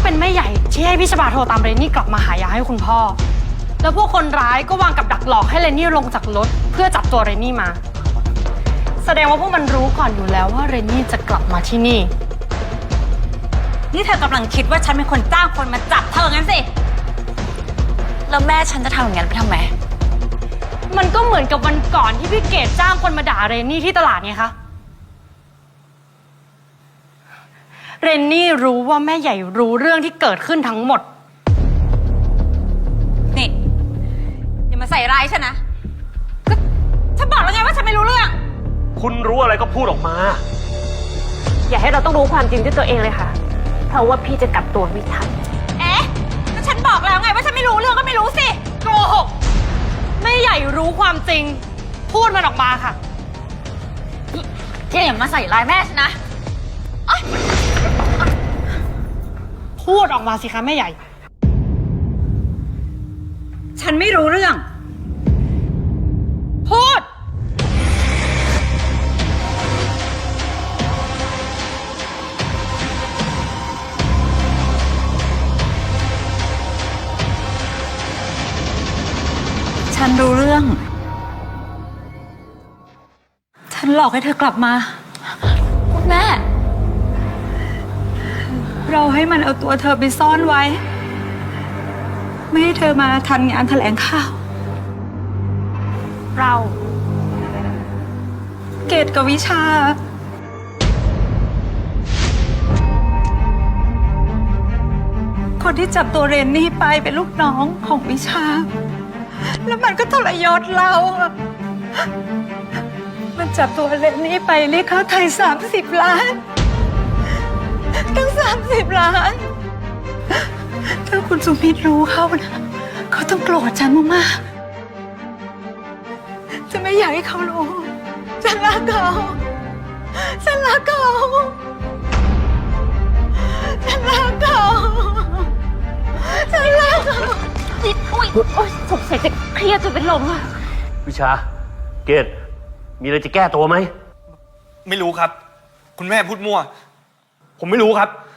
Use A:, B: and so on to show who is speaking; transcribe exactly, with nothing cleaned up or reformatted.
A: เป็นแม่ใหญ่ที่ให้พี่ชบาโทรตามเรนนี่กลับมาหายาให้คุณพ่อแล้วพวกคนร้ายก็วางกับดักหลอกให้เรนนี่ลงจากรถเพื่อจับตัวเรนนี่มาแสดงว่าพวกมันรู้ก่อนอยู่แล้วว่าเรนนี่จะกลับมาที่นี่
B: นี่เธอกำลังคิดว่าฉันเป็นคนจ้างคนมาจับเธองั้นสิแล้วแม่ฉันจะทำอย่างนั้นไปทำไม
A: มันก็เหมือนกับวันก่อนที่พี่เกดจ้างคนมาด่าเรนนี่ที่ตลาดไงคะเรนนี่รู้ว่าแม่ใหญ่รู้เรื่องที่เกิดขึ้นทั้งหมด
B: นี่อย่ามาใส่ร้ายฉันนะก็ฉันบอกแล้วไงว่าฉันไม่รู้เรื่อง
C: คุณรู้อะไรก็พูดออกมา
D: อย่าให้เราต้องรู้ความจริงด้วยตัวเองเลยค่ะเพราะว่าพี่จะกลับตัวไม่ทัน
B: เอ๊ะก็ฉันบอกแล้วไงว่าฉันไม่รู้เรื่องก็ไม่รู้สิ
A: โกหกแม่ใหญ่รู้ความจริงพูดมันออกมาค่ะ
B: อย่ามาใส่ร้ายแม่ฉันนะ
A: พูดออกมาสิคะแม่ใหญ่
B: ฉันไม่รู้เรื่อง
A: พูด
B: ฉันรู้เรื่องฉันหลอกให้เธอกลับมาคุณแม่เราให้มันเอาตัวเธอไปซ่อนไว้ไม่ให้เธอมาทันงานแถลงข่าว
A: เรา
B: เกดกับวิชาคนที่จับตัวเรนนี่ไปเป็นลูกน้องของวิชาแล้วมันก็ทรยศเรามันจับตัวเรนนี่ไปเรียกค่าไถ่สามสิบล้านตั้งสามสิบล้านถ้าคุณสุมิตรรู้เขานะเขาต้องโกรธฉันมากๆจะไม่อยากให้เขารู้ฉันรักเขาฉันรักเขาฉันรักเขาฉันรักเขา
D: อุ้ยโอ๊ยสงสัยจะเครียดจนเป็นลมอะ
C: วิชาเกดมีอะไรจะแก้ตัวไหม
E: ไม่รู้ครับคุณแม่พูดมั่วผมไม่รู้ครับ